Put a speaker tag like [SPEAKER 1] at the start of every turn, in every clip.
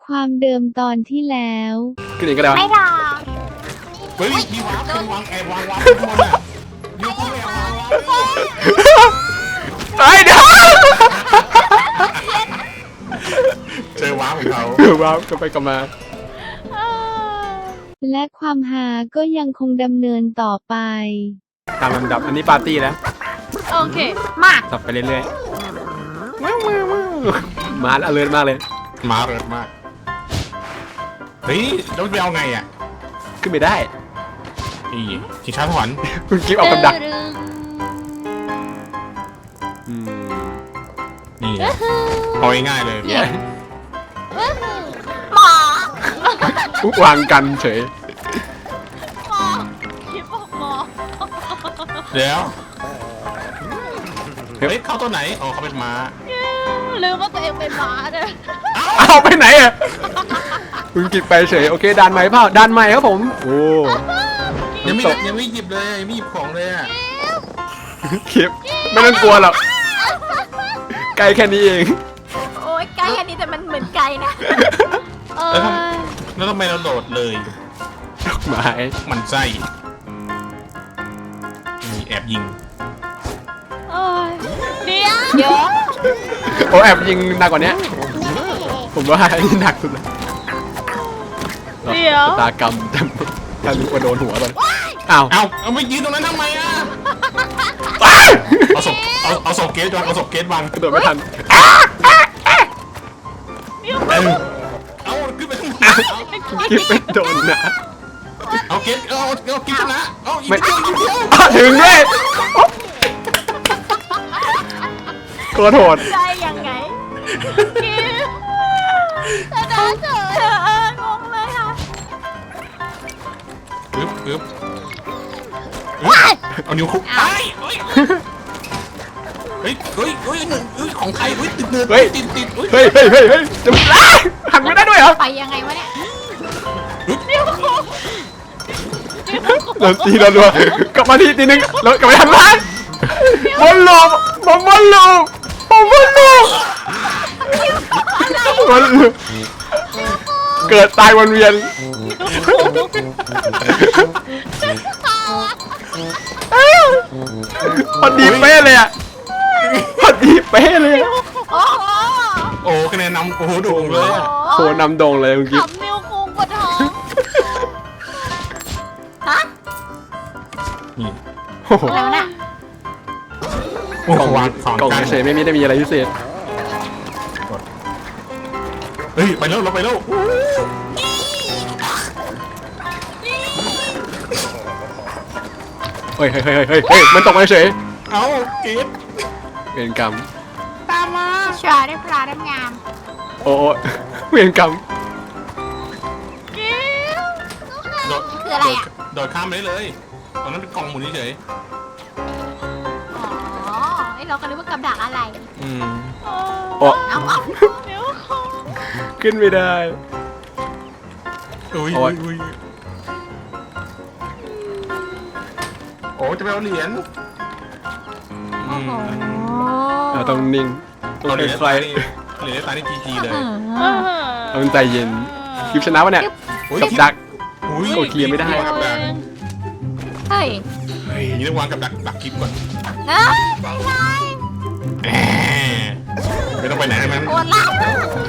[SPEAKER 1] ความเดิมตอนที่แล้ว
[SPEAKER 2] ขึ้นอีกก็ได้
[SPEAKER 3] ไม่หรอก
[SPEAKER 4] เฮ้ยมีวางแอบวางข้างบนอ่ะยูกูแอบวาง
[SPEAKER 2] ไอ้เดี๋ยว
[SPEAKER 4] เจอว้าวของเขา
[SPEAKER 2] ว้าวก็ไปกลับมา
[SPEAKER 1] และความหาก็ยังคงดำเนินต่อไป
[SPEAKER 2] ตามลำดับอันนี้ปาร์ตี้แล้ว
[SPEAKER 3] โอเคมาก
[SPEAKER 2] สับไปเรื่อยๆมาอเลิร์มากเลย
[SPEAKER 4] มาเริดมากเฮ้ยแล้วไปเอาไงอ่ะ
[SPEAKER 2] ขึ้นไม่ได้
[SPEAKER 4] นี่ชิงช้าสวรรค์
[SPEAKER 2] คุณกิ๊บเอากำดัก
[SPEAKER 4] นี่เอาง่ายๆเลย
[SPEAKER 3] หมอ
[SPEAKER 2] วางกันเฉย
[SPEAKER 3] หมอคิดบอกหมอ
[SPEAKER 4] เดี๋ยวเฮ้ยเข้าตัวไหนอ๋อเขาเป็นม้า
[SPEAKER 3] ลืมว่าตัวเองเป็นม้าเลย
[SPEAKER 2] เอาไปไหนอ่ะคุณกิ๊บไปเฉยโอเคดันไหมเปล่าดันไหมครับผมโอ้
[SPEAKER 4] ยังไม่หยิบเลยยังไม่หยิบของเลยอ่ะ
[SPEAKER 2] กิ๊บไม่ต้องกลัวหรอกไกลแค่นี้เอง
[SPEAKER 3] โอ้ยไกลแค่นี้แต่มันเหมือนไกลนะ
[SPEAKER 4] แล้วทำไมเราโดดเลย
[SPEAKER 2] ดอกไม้
[SPEAKER 4] มันไส้มีแอบยิง
[SPEAKER 3] เดี๋ยว
[SPEAKER 2] โอ้แอบยิงหนักกว่านี้ผมว่าอันนี้หนักสุดเลยตากรรมถ้ารู้ว่าโดนหัวเลยอ้าว
[SPEAKER 4] เอาไม่ยืนตรงนั้นทำไมอ่ะเอาศพเกตวางเอาศพเกตวาง
[SPEAKER 2] กระโดดไม่ทัน
[SPEAKER 4] เอาขึ้นไปข้างบน
[SPEAKER 2] กิ๊บไม่โดนนะ
[SPEAKER 4] เอาเกตเอากิ๊บชนะเอาอีกเดียว
[SPEAKER 2] ถึงด้วยขอโทษ
[SPEAKER 3] ได้ยังไงแต่ได้เถอะงงเลยค่ะ
[SPEAKER 4] ปึ๊บเอานิ้วคุกเฮ้ยของใครติดเนื้อติด
[SPEAKER 2] เฮ้ยจะหันไม่ได้ด้วยเหรอ
[SPEAKER 3] ไปยังไงวะเนี่ย
[SPEAKER 2] เราตีเรารัวกลับมาทีนึงเรากลับไปทันร้านบอลลูเกิดตายวนเวียนพอดีเป๊ะเลยอ่ะพอดีเป๊ะเลย
[SPEAKER 4] โอ้คะแนนนำโอ้โหโด่งเลย
[SPEAKER 2] โหนำโด่งเลยเมื่อกี้
[SPEAKER 3] ขำนิ้วโค้งปวดท้องฮะอะไรวะน่ะ
[SPEAKER 2] กล่องเฉยไม่ได้มีอะไรพิเศษ
[SPEAKER 4] เฮ้ยไปแล้วเราไปแล้ว
[SPEAKER 2] เฮ้ยมันตกมาเฉย
[SPEAKER 4] เอาเกต
[SPEAKER 2] เวรกรรม
[SPEAKER 3] ตามมาชาได้ปลาได้งาม
[SPEAKER 2] โอ้เวรกรรม
[SPEAKER 3] คืออะไรอ่ะ
[SPEAKER 4] โดดข้ามไปเลยตอนนั้นเป็นกล่องหมุนเฉย
[SPEAKER 3] อ๋อไอเราก็นึกว่ากับดักอะไร
[SPEAKER 2] โอ้ขึ้นไม่ได้
[SPEAKER 4] อุ้ยโอ้จะไปเอาเหรียญ
[SPEAKER 2] เราต้องนิ่ง
[SPEAKER 4] ต้องเหรียญใครเหรียญตายในจีเลย
[SPEAKER 2] ต้องใจเย็นคลิปชนะวะเนี่ยกับดักโอเคไม่ได้
[SPEAKER 3] เฮ้ย
[SPEAKER 4] นี่ต้องวางกับดักคลิปก่อน
[SPEAKER 3] ใจร้าย
[SPEAKER 4] ไม่ต้องไปไหนมัน
[SPEAKER 3] ปวดหลัง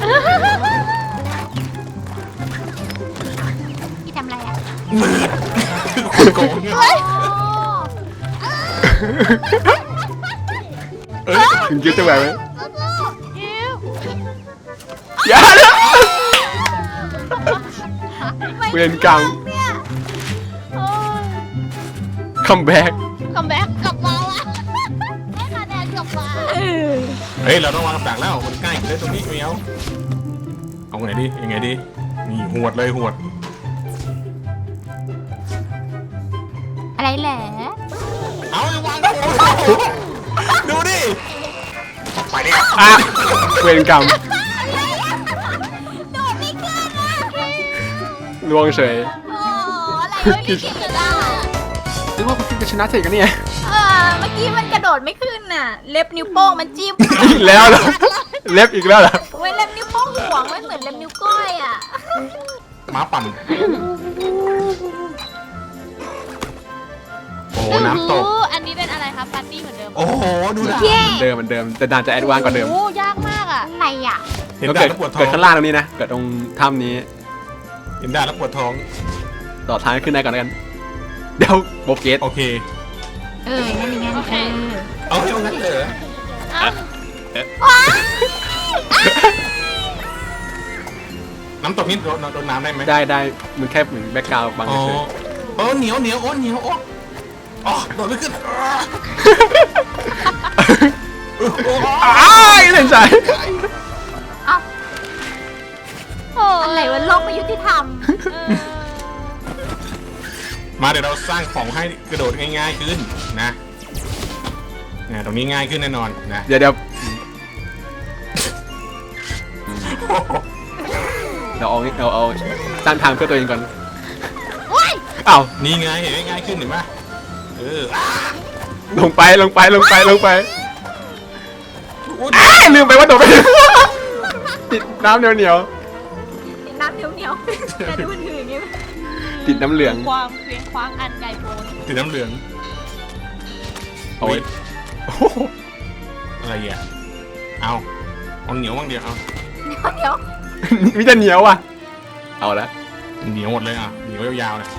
[SPEAKER 3] พี่ทำอะไรอ่ะ
[SPEAKER 4] คนโกง
[SPEAKER 2] คุณกิ๊บจะแบบไหม
[SPEAKER 3] อย่า
[SPEAKER 2] เลยเวียนกลางคัมแบ็ก
[SPEAKER 3] กลับมาละให้คะแนนกลับมา
[SPEAKER 4] เฮ้ยเราต้องวางกับดักแล้วมันใกล้เลยตรงนี้ไม่เอาไงดียังไงดีนี่หวดเลยหวด
[SPEAKER 3] อะไรแหละ
[SPEAKER 4] เอาวางดูดิไปดิ
[SPEAKER 2] เวรกรรม
[SPEAKER 3] โดดไม่ขึ้นนะ
[SPEAKER 2] ลวงเฉย
[SPEAKER 3] อะไรไม่คิดจะได้
[SPEAKER 2] นึกว่าคุณกิ๊บจะชนะเฉยกันเนี่ย
[SPEAKER 3] เมื่อกี้มันกระโดดไม่ขึ้นน่ะเล็บนิ้วโป้งมันจิ้ม
[SPEAKER 2] อีกแล้วเหรอเล็บอีกแล้วเหรอ
[SPEAKER 3] เว้ยเล็บนิ้วโป้งหัวองไม่เหมือนเล็บนิ้วก้อยอ่ะ
[SPEAKER 4] ม้าปั่นโอ้น้ำตก
[SPEAKER 3] อันนี้เป็นอะไรครับปาร์ตี้เหมือนเดิม
[SPEAKER 4] โอ้โหดูด่า
[SPEAKER 2] เหมือนเดิมแต่ด่านจะแอดวานซ์กว่าเดิม
[SPEAKER 3] โอ้ยากมากอ่ะอะไรอ่ะ
[SPEAKER 4] เห็น
[SPEAKER 2] แล้ว
[SPEAKER 4] ด่า
[SPEAKER 2] เกิด
[SPEAKER 4] แล้วปวดท้อ
[SPEAKER 2] เกิ
[SPEAKER 4] ง
[SPEAKER 2] ดข้างล่างตรงนี้นะเกิดตรงถ้ำนี้
[SPEAKER 4] เห็นด่าแล้วปวดท้อง
[SPEAKER 2] ต่อท้ายขึ้นได้ก่อนแล้วกันเดี๋ยวโบเกต
[SPEAKER 4] โอเค
[SPEAKER 3] งั้นอย่างงั้น
[SPEAKER 4] เอาให้เอางั้นเลย น้ำตกนี่โดนน้ำได้ไหม
[SPEAKER 2] ได้มันแค่เหมือนแบ็กกราวด์บาง
[SPEAKER 4] อ๋อ
[SPEAKER 2] เฉย
[SPEAKER 4] โอ้เหนียวโอ้เหนียวโอ้อ๋อโดดไม่ขึ้น
[SPEAKER 2] อ้ายเล่นใจ
[SPEAKER 3] อะไรวะโลกไม่ยุติธรรม
[SPEAKER 4] มาเดี๋ยวเราสร้างของให้กระโดดง่ายๆขึ้นนะตรงนี้ง่ายขึ้นแน่นอนนะ
[SPEAKER 2] เดี๋ยวเราเอาสร้างทางเพื่อตัวเองก่อนอ้าว
[SPEAKER 4] นี่ไงเห็นไหมง่ายขึ้นเห็นไหม
[SPEAKER 2] ลงไปอ้ายลืมไปว่าโดดไปติดน้ำเหนียว
[SPEAKER 3] น้ำเหนียวแต่ดูถืออย่างงี้
[SPEAKER 2] ติดน้ำเหลือง
[SPEAKER 3] ความเพียงคว้างอันใหญ่โต
[SPEAKER 4] ติดน้ำเหลือง
[SPEAKER 2] โอ้ย
[SPEAKER 4] อะไรอ่ะเอาเหนียวบ้างเดียวเอา
[SPEAKER 3] เดี๋ยว
[SPEAKER 2] มิจะเหนียวว่ะเอาละ
[SPEAKER 4] เหนียวหมดเลยอ่ะเหนียวยาวๆเลย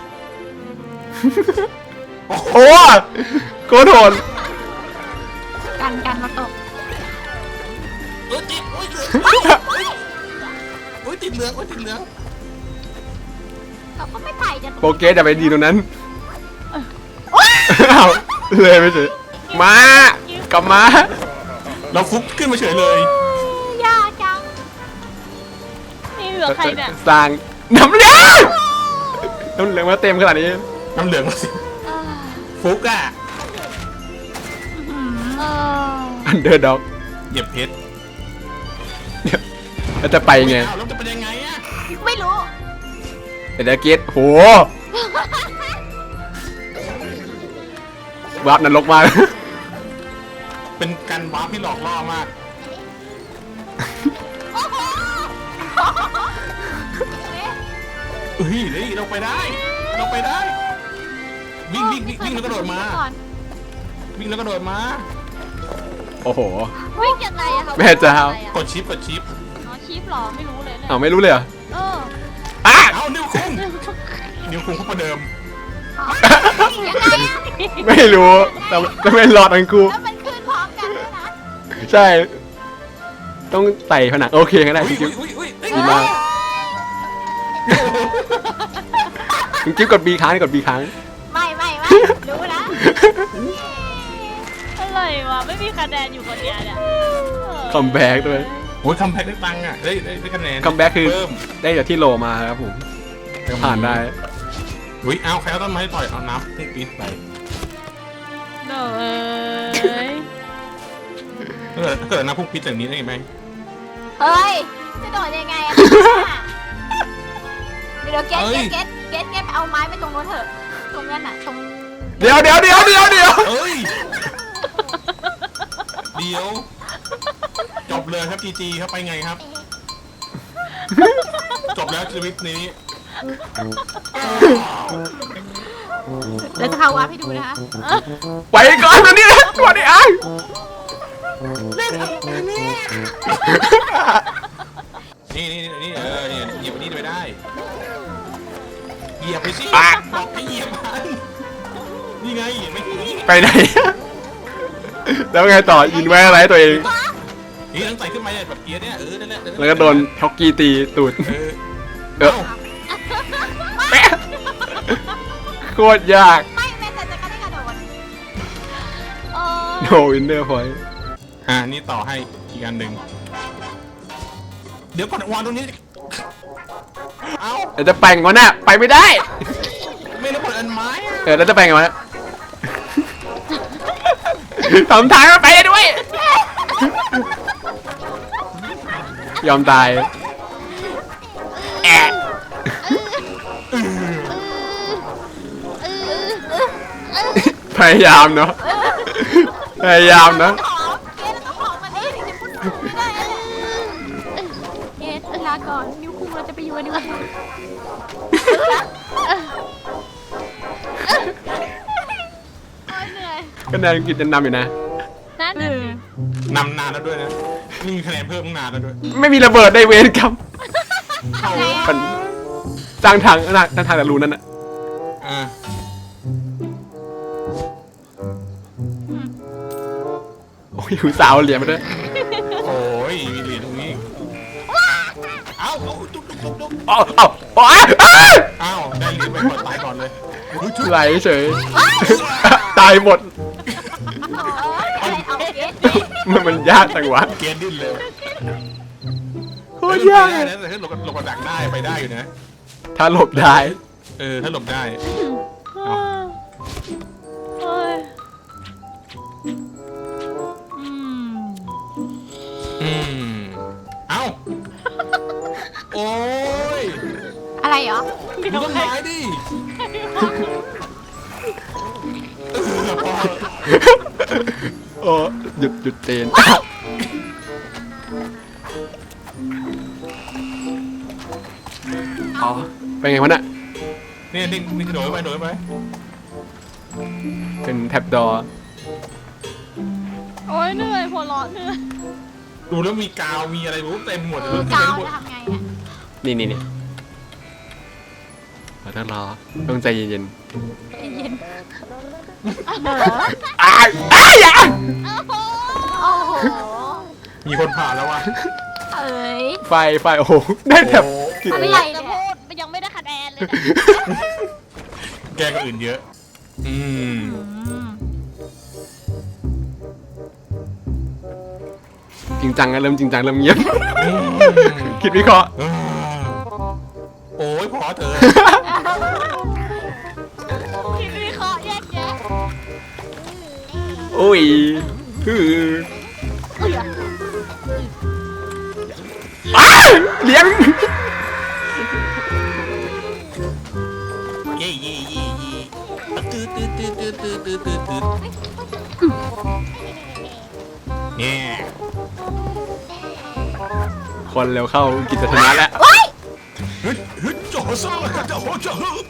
[SPEAKER 2] โอ้โคตรโหด
[SPEAKER 3] กันมาตก
[SPEAKER 4] ติดติดเหลืองติดเหลือง
[SPEAKER 3] เราก็ไม่ไถ่จะ
[SPEAKER 2] โปเกสอย่าไปดีตรงนั้นอ้าวเลยไม่เฉยมากลับมา
[SPEAKER 4] เราฟุกขึ้นมาเฉยเลย
[SPEAKER 3] ยากจังนี่เหลือใครเนี่ย
[SPEAKER 2] สร้างน้ำเหลืองมาเต็มขนาดนี้
[SPEAKER 4] น้ำเหลืองมาสิฟุกอ่ะ
[SPEAKER 2] อันเดอร์ด็อก
[SPEAKER 4] เหยียบเพชร
[SPEAKER 2] แล้วจะไปไง
[SPEAKER 4] แล้วจะเป็นยังไงอ่ะ
[SPEAKER 3] ไม่รู้
[SPEAKER 2] เดี๋ยวเกตโหวาร์ปนรกมาก
[SPEAKER 4] เป็นการวาร์ปที่หลอกล่อมากเฮ้ยเราไปได้วิ่งแล้วก็โดดมาวิ่งแล้วก็โดดมา
[SPEAKER 2] โอ้โห
[SPEAKER 3] วิ่งยังไงอะคะ
[SPEAKER 2] แม่เจ้า
[SPEAKER 4] กดชิป
[SPEAKER 3] อ๋อชีพหรอไม่รู้เลยเนี่ย
[SPEAKER 2] อ้าวไม่รู้เลยเหรอ
[SPEAKER 3] อ้า
[SPEAKER 4] เอานิ้วคุ้งเข้าประเดิม
[SPEAKER 3] ยังไงอะ
[SPEAKER 2] ไม่รู้แต่จะไม่รอดทั้งคู่
[SPEAKER 3] แล้วมันขึ้นพร้อมกันด้วยนะ
[SPEAKER 2] ใช่ ต้องใส่ผนังโอเคก็ได้คุณกิ๊บดีมากคุณกิ๊บกด B ค้างกด B ค้าง
[SPEAKER 3] ไม่รู้นะ
[SPEAKER 5] อะไรวะไม่มีคะแนนอยู่คนเดียวเนี่ย
[SPEAKER 2] คัมแบ็กด้วย
[SPEAKER 4] โอ้ยคัมแบ็กได้ตังค์อ่ะได้คะแนน
[SPEAKER 2] คัมแบ็กคือ
[SPEAKER 4] เพิ่ม
[SPEAKER 2] ได้จากที่โลมาครับผมก็ผ่านได้
[SPEAKER 4] อุ้ยเอาใครเอาต้นไม้ต่อยเอาน้ำพุ่งปี๊ดไป
[SPEAKER 5] เนย
[SPEAKER 4] ถ้าเกิดน้ำพุ่งปี๊ดอย่างนี้ได้ไหม
[SPEAKER 3] เฮ้ยจะโดดยังไงอะเดี๋ยวเก็ตไปเอาไม้ไปตรงโน้นเถอะตรงนั้นอะตรง
[SPEAKER 2] เดี๋ยว
[SPEAKER 4] เอ้ยเดี๋ยวจบเลยครับจีครับไปไงครับ จบแล้วชีวิตนี้
[SPEAKER 3] เดี๋ยวจะเข้าวัดให้ดูนะคะ
[SPEAKER 2] ไปก่อนนะนี่ตัวนี้อ้าย
[SPEAKER 4] นี่เหยียบนี่ไปได้เหยียบไปสิบอกให้เหยียบมันนี่ไงไม่
[SPEAKER 2] ไปไหน แล้วไงต่อยินไว้อะไรตัวเอง
[SPEAKER 4] นี่ต้องใส่ขึ้นมาเนี่ยแบบเกียร์เนี่ยนั่นแหละ
[SPEAKER 2] แล้วก็โดนช็อกกี้ตีตูดโคตรยาก
[SPEAKER 3] ไม่แม้แต่จะกระได้กระโดด
[SPEAKER 2] โนวินเนอร์พอยต์
[SPEAKER 4] นี่ต่อให้อีกอันหนึ่งเดี๋ยวก่อนวางตรงนี้เอา
[SPEAKER 2] แต่จะแปลงมันน่ะไปไม่ได้
[SPEAKER 4] ไม่ได้ผลอันไม้
[SPEAKER 2] แล้วจะแปลงมันน่ะทำทางมาไปด้วย ยอมตายแอะพยายามเนาะพยายามนะ
[SPEAKER 3] หอมเกตแล้วก็หอมมาดิถึงจะพูดไม่ได้เกตรักดีกว่า
[SPEAKER 5] โอ้ยเหนื่อย
[SPEAKER 2] คะแนนกินจะนำอยู่นะ
[SPEAKER 5] นั่นน่ะสิ
[SPEAKER 4] นำนานแล้วด้วยนะนี่มีคะแนนเพิ่มตั้งนานแล้วด้วย
[SPEAKER 2] ไม่มีระเบิดได้เวรครับมันสร้างทางแต่รูนั่นน่ะ
[SPEAKER 4] อ่า
[SPEAKER 2] โอ้ยหูสาวเหรียญมาด้วย
[SPEAKER 4] โอ้ยมีเหรียญตรงนี้เอ้าจุ๊บ
[SPEAKER 2] อ้าวอ้าวอ้าว
[SPEAKER 4] อ้าวได้เหรียญไปก่อนตายก่อนเลย
[SPEAKER 2] ไหลเฉยตายหมด
[SPEAKER 3] เอาเกส
[SPEAKER 2] มันยากจังวะ
[SPEAKER 4] เกณฑ์ดิ้นเลย
[SPEAKER 2] โคตรยาก
[SPEAKER 4] นะแต่ถ้าหลบกระดักได้ไปได้อยู่นะ
[SPEAKER 2] ถ้าหลบได้
[SPEAKER 4] ถ้าหลบได้
[SPEAKER 5] โอ้ยอืม
[SPEAKER 4] เอ้าโอ้ย
[SPEAKER 3] อะไรเหรอ
[SPEAKER 4] ดูต้นไม้ดิพอ
[SPEAKER 2] โอ้หยุดเจนอ๋อเป็นไงวะน่ะ
[SPEAKER 4] เนี่ยนี่กระโดดไป
[SPEAKER 2] เป็นแท็บดอ
[SPEAKER 5] โอ้ยเหนื่อยหัวเราะเหนื่อย
[SPEAKER 4] ดูแล้วมีกาวมีอะไรรู้เต็มหมดเลย
[SPEAKER 3] กาว
[SPEAKER 4] หมด
[SPEAKER 3] จะทำไงเนี่ย
[SPEAKER 2] นี่เราต้องรอต้องใจเย็น
[SPEAKER 3] เย็น
[SPEAKER 2] ๆอ้ายอย่า
[SPEAKER 3] โอ้โห
[SPEAKER 4] มีคนผ่านแล้ววะ
[SPEAKER 3] เอ้ย
[SPEAKER 2] ไฟโอ้โหได้แท็บกิน
[SPEAKER 3] อะไร
[SPEAKER 5] อยากจะพูดยังไม่ได้คะแนนเลยนะ
[SPEAKER 4] แกล้งคนอื่นเยอะ
[SPEAKER 2] จริงจังนะเริ่มจริงจังเริ่มเงียบคิดวิเคราะห์
[SPEAKER 4] โอ้ยพอเถอะ
[SPEAKER 5] คิดวิเคราะห์แยกแยะ
[SPEAKER 2] โอ้ยคือ
[SPEAKER 3] อุ้ย
[SPEAKER 2] อ้าวเลี้ยง
[SPEAKER 4] เย่ตื้อเนี่ย
[SPEAKER 2] คนเร็วเข้ากิจชนะแล้ว
[SPEAKER 4] ฮึดโจโซ่โจโจ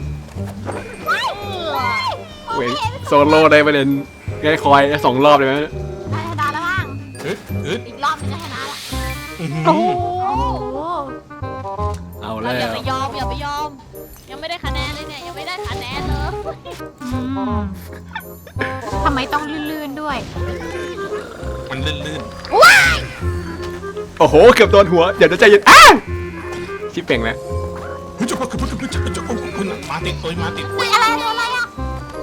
[SPEAKER 2] เว้ยโซโล่ได้ประเด็นง่ายคอย2 รอบเลยไหม
[SPEAKER 3] ชนะแล้วบ้าง
[SPEAKER 4] ฮึด
[SPEAKER 3] อีกรอบนึงจะชนะละ
[SPEAKER 5] โอ้โห
[SPEAKER 3] โอ้โห
[SPEAKER 2] เอา
[SPEAKER 5] เรา
[SPEAKER 2] แล้
[SPEAKER 5] อย่าว ไปยอมอย่าไปยอม ยังไม่ได้คะแนนเลยเนี่ยยังไม่ได้คะแนนเลย
[SPEAKER 3] ทำไมต้องลื่นๆด้วย
[SPEAKER 4] มันลื่น
[SPEAKER 2] โอ้โหเกือบโดนหัวเดี๋ยวจะใจเย็นอ้าวชิปเป่งแล้ว
[SPEAKER 4] ๆฮึดโจคุณมาติดตัวมาติด
[SPEAKER 3] อุ้ยอะไรอ่ะ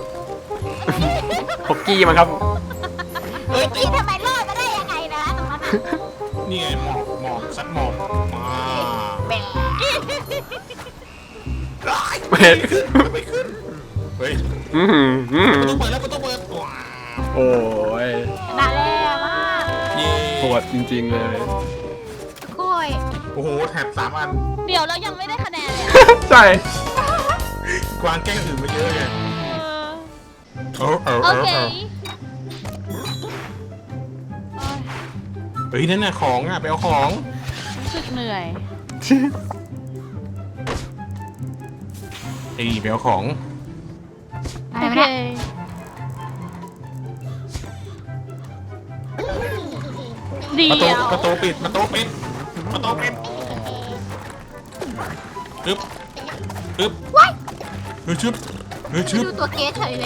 [SPEAKER 2] ฮอกกี้มั้งครับ
[SPEAKER 3] เฮ้ยทำไมรอดมาได้ยังไงนะตรงนั้น
[SPEAKER 4] นี่ไงหมอกซัดหมอกมา
[SPEAKER 3] แบะ
[SPEAKER 4] ไม่ขึ้นเฮ้ย
[SPEAKER 2] อื้อหือ
[SPEAKER 4] ประตูเปิดว้า
[SPEAKER 2] โอ้ย
[SPEAKER 3] ชนะแล้วมาก
[SPEAKER 4] เย่
[SPEAKER 2] โหดจริงๆเลย
[SPEAKER 3] กล้วย
[SPEAKER 4] โอ้โหแถบ3 อัน
[SPEAKER 5] เดี๋ยวเรายังไม่ได้คะแนนเลยอะ
[SPEAKER 2] ใช่
[SPEAKER 4] กวางแกล้งอื่นมาเยอะไง
[SPEAKER 5] โอเค
[SPEAKER 4] เฮ้ยนั่นน่ะของอ่ะไปเอาของ
[SPEAKER 5] รู้สึกเหนื่อย
[SPEAKER 4] ไปเอาของ
[SPEAKER 3] อะไร
[SPEAKER 5] โอ
[SPEAKER 3] วะ
[SPEAKER 5] เค
[SPEAKER 3] เนี่ย
[SPEAKER 5] เดี๋ยว
[SPEAKER 4] ประตูปิดอึ๊บชึบ
[SPEAKER 3] ดูตัวเกสเฉยเลย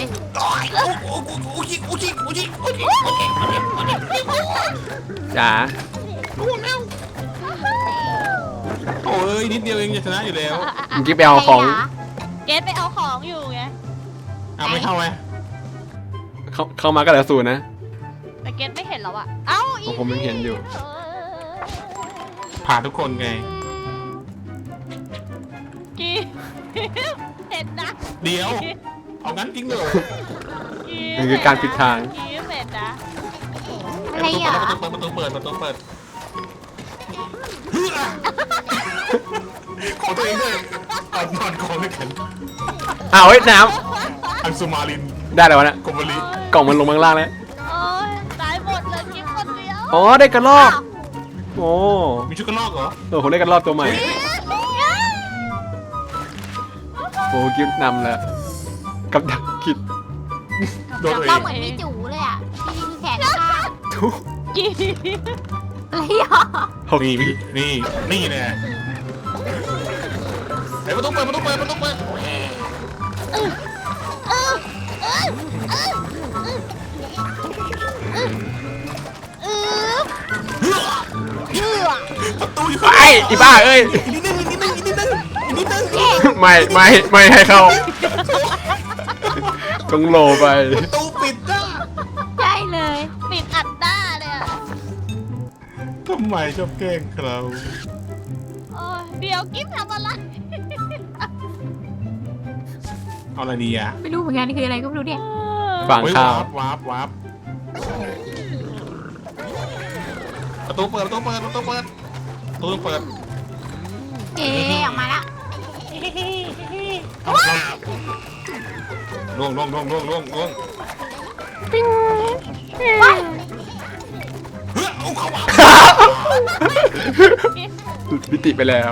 [SPEAKER 2] จ๋า
[SPEAKER 4] โอ้ยนิดเดียวเองจะชนะอยู่แล้ว
[SPEAKER 2] เมื่อกี้ไปเอาของ
[SPEAKER 5] เกตไปเอาของอยู่ไง
[SPEAKER 4] เอาไม่เข้าไหม
[SPEAKER 2] เข้ามาก็เหลือ0นะ
[SPEAKER 5] แต่เกตไม่เห็นแล้วอะเอ้าอี
[SPEAKER 2] ผมยังเห็นอยู่
[SPEAKER 4] ผ่านทุกคนไง
[SPEAKER 5] กีเห็นนะ
[SPEAKER 4] เดี๋ยว เอางั้นจริงเหรอ
[SPEAKER 2] มันคือการปิดทาง
[SPEAKER 5] กีเห็นนะ
[SPEAKER 3] อะไรอ่ะ
[SPEAKER 4] ประตูเปิดขอตัวเองด้วยเอานอนกองด้วยกัน
[SPEAKER 2] อ้าวเฮ้ยน้
[SPEAKER 4] อังสุมาลิน
[SPEAKER 2] ำได้แล้ววะเนี่ย
[SPEAKER 4] กบลิ
[SPEAKER 2] กล่องมันลงมาข้างล่างแล้ว
[SPEAKER 5] โอ้ยตายหมดเลยกิฟคนเดียว
[SPEAKER 2] อ๋อได้กระรอกโอ้
[SPEAKER 4] มีชุดกระลอกเหรอ
[SPEAKER 2] ผมได้กระรอกตัวใหม่อ้กิ๊บนำแล้วกับดักคิด
[SPEAKER 4] โดน
[SPEAKER 3] จับ
[SPEAKER 4] ตัวเอ
[SPEAKER 3] เป้าง เหมือนพี่จูเลยอ่ะพี่มีแขนข้าง
[SPEAKER 2] ทุก
[SPEAKER 5] กี่
[SPEAKER 3] อะไรอ่ะ
[SPEAKER 2] หก
[SPEAKER 4] นี่
[SPEAKER 2] วิ
[SPEAKER 4] นี่แน่ไอ้ประตูเปิดประตูอยู่
[SPEAKER 2] ไอ้อีบ้าเอ้ย
[SPEAKER 4] นิดนึง
[SPEAKER 2] ไม่ให้เข้าต้องโลไป
[SPEAKER 4] ประตูปิดจ้า
[SPEAKER 3] ใช่เลย
[SPEAKER 5] ปิดอัดหน้าเลยอ่ะ
[SPEAKER 4] ทำไมชอบแกล้งเรา
[SPEAKER 5] โอ้ยเดี๋ยวกิ๊บทำอะไร
[SPEAKER 4] เอาอะไรดีอ่ะ
[SPEAKER 3] ไม่รู้เหมือนกันนี่คืออะไรก็ไม่รู้เนี่ย
[SPEAKER 2] ฝั่งข้าว
[SPEAKER 4] วาร์ปประตูเปิดประตูเปิด
[SPEAKER 3] เอ๊ะออกมาละ
[SPEAKER 4] ล่วง
[SPEAKER 3] ว้าย
[SPEAKER 4] เฮ้ยเอาเข้ามา
[SPEAKER 2] หลุดมิติไปแล้ว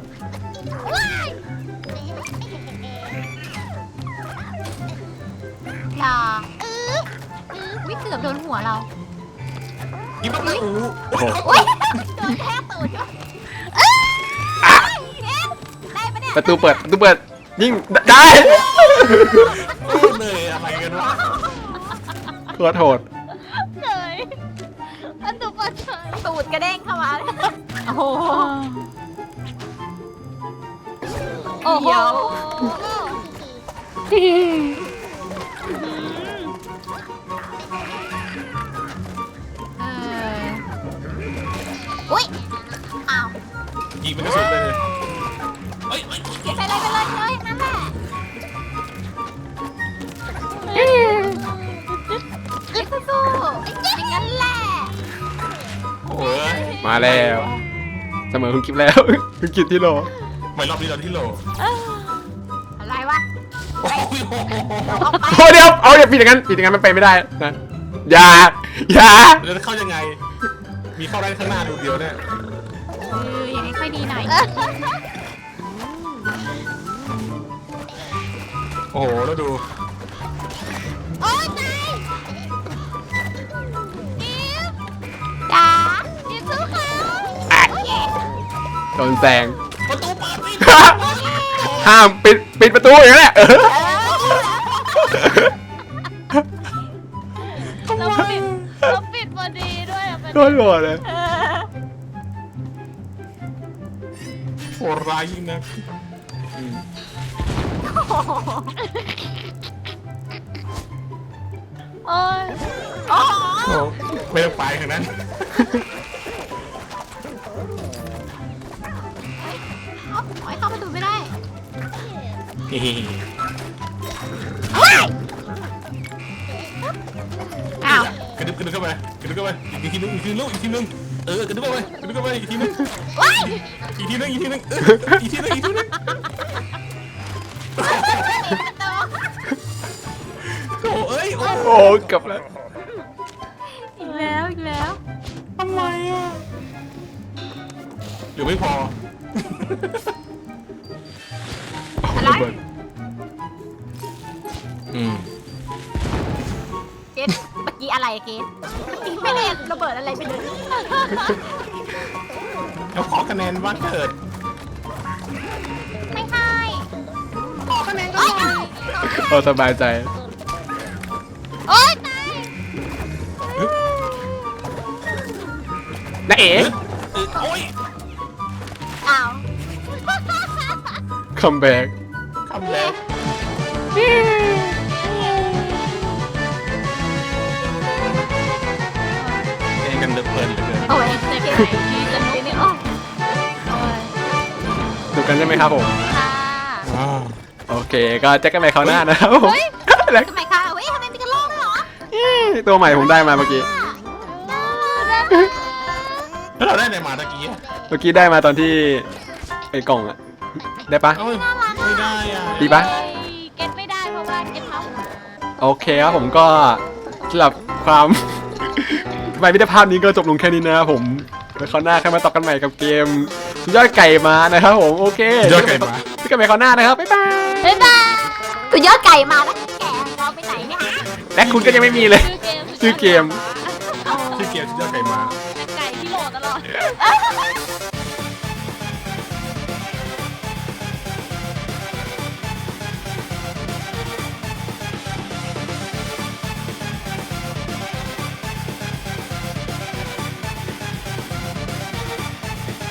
[SPEAKER 3] อย่าวิเกือบโดนหัวเรา
[SPEAKER 4] อีบ้าเลยโอ้โห
[SPEAKER 2] โอ้โห
[SPEAKER 3] โอ๊ยโดนแทบตูดก็ได้ปะเนี่ย
[SPEAKER 2] ประตูเปิดยิ่งได้
[SPEAKER 4] เลยอะไรกันวะ
[SPEAKER 2] โคตรโหด
[SPEAKER 5] เฉยอันตุปเฉย
[SPEAKER 3] ตูดกระเด้งเข้ามาเลยโอ้โห
[SPEAKER 5] โอ้โห
[SPEAKER 3] เดี๋ยว อุ้ยอ้าว
[SPEAKER 4] ยิงเป็นกระสุนเลยเฮ้ย
[SPEAKER 3] ไปเลยนั่นแหละสู้ๆอย่างนั้นแหละ
[SPEAKER 4] โอ้ย
[SPEAKER 2] มาแล้วเสมอคุณกิฟแล้ว คุณกิฟที่โล
[SPEAKER 4] ไม่รอบนี้เราที่โหล
[SPEAKER 3] อะไรวะ
[SPEAKER 4] โอ้ย
[SPEAKER 3] ออกไป
[SPEAKER 2] โอ้เดี๋ยวเอาอย่าปิดอย่างนั้นมันไปไม่ได้นะอย่า
[SPEAKER 4] เราจะเข้ายังไง มีเข้าได้ข้างหน้าดูเดียวเนี่ย
[SPEAKER 3] อย่างนี้ค่อยดีหน่อย
[SPEAKER 4] โอ้โหแล้วดู
[SPEAKER 3] โอ๊ยตายจ๋าจิ๊บสู้เขา
[SPEAKER 2] โดนแซง
[SPEAKER 4] ประตูเปิดไม่
[SPEAKER 2] ห้ามปิดประตูอย่างนั้นแหละ
[SPEAKER 5] เราปิดพอดีด้วยอะ
[SPEAKER 2] โดนโหดเลย
[SPEAKER 4] โหดร้ายยิ่งนะ
[SPEAKER 5] โอ้ย
[SPEAKER 3] โอ้โห
[SPEAKER 4] โอ้ไม่ต้องไปทางนั้น
[SPEAKER 3] โอ๊ยเข้าประตูไม่ได้
[SPEAKER 4] เฮ้
[SPEAKER 3] อ้าว
[SPEAKER 4] กระดึบเข้าไปอีกทีนึงกระดึบเข้าไปอีกทีนึงอีกทีนึง
[SPEAKER 3] ว้าย
[SPEAKER 4] อีกทีนึงอีกทีนึงโอ้เอ้ยโอ้
[SPEAKER 2] โอ้กลับแล้ว
[SPEAKER 3] อีกแล้ว
[SPEAKER 4] ทำไมอ่ะหรือไม่พอ
[SPEAKER 3] อะไร
[SPEAKER 2] ระเบิด
[SPEAKER 3] เกดเมื่อกี้อะไรเกดไม่ได้ระเบิดอะไรไปเลย
[SPEAKER 4] เราขอคะแนนวันเกิด
[SPEAKER 3] ไม่ให้ขอคะแนนก็ได้
[SPEAKER 2] เราสบายใจ
[SPEAKER 3] โอ๊ยตาย
[SPEAKER 2] นะเอ๋
[SPEAKER 4] โอ้ย
[SPEAKER 3] อ้าว
[SPEAKER 2] คัมแบ็ก
[SPEAKER 4] คำแรกเองกันเดือดเพลินเหลือเกิน
[SPEAKER 3] โอ้ยเจ็บไหนดีจังเลยเนี่ยโอ้ย
[SPEAKER 2] ดูกันใช่ไหมครับผม
[SPEAKER 3] ค่ะ
[SPEAKER 2] โอเคก็แจ็คกันใหม่คราวหน้านะครับผมแล้ว
[SPEAKER 3] ทำไมคะเฮ้ยทำไมมีกระโหลกด้วยเหรอ
[SPEAKER 2] ตัวใหม่ผมได้มาเมื่อกี้
[SPEAKER 4] แล้วเราได้ไหนมาตะกี้
[SPEAKER 2] เมื่อกี้ได้มาตอนที่ไอ้กล่องอะได้ปะ
[SPEAKER 4] เอ้ยไม่ได้อ่ะ
[SPEAKER 2] ดีปะ
[SPEAKER 5] เก็ตไม่ได้เพราะว่าเก็ตเมาส์
[SPEAKER 2] โอเคครับผมก็สำหรับความ ไม่มิตรภาพนี้ก็จบลงแค่นี้นะครับผมไว้คราวหน้าใครมาต่อกันใหม่กับเกมยอดไก่มานะครับผมโอเค
[SPEAKER 4] ยอดไก่มา
[SPEAKER 2] พี่กันใหม่คราวหน้านะครับบ๊ายบาย
[SPEAKER 5] บ๊ายบาย
[SPEAKER 3] สุดยอดไก่มาแล้วแกเราไปไหนเนี่ย
[SPEAKER 2] และคุณก็ยังไม่มีเลย
[SPEAKER 5] ชื่อเกม
[SPEAKER 2] ชื่อเกม
[SPEAKER 4] ชื่อเกมชื่อเจ้าไก่มา
[SPEAKER 5] ไก่ที่โหลดตลอด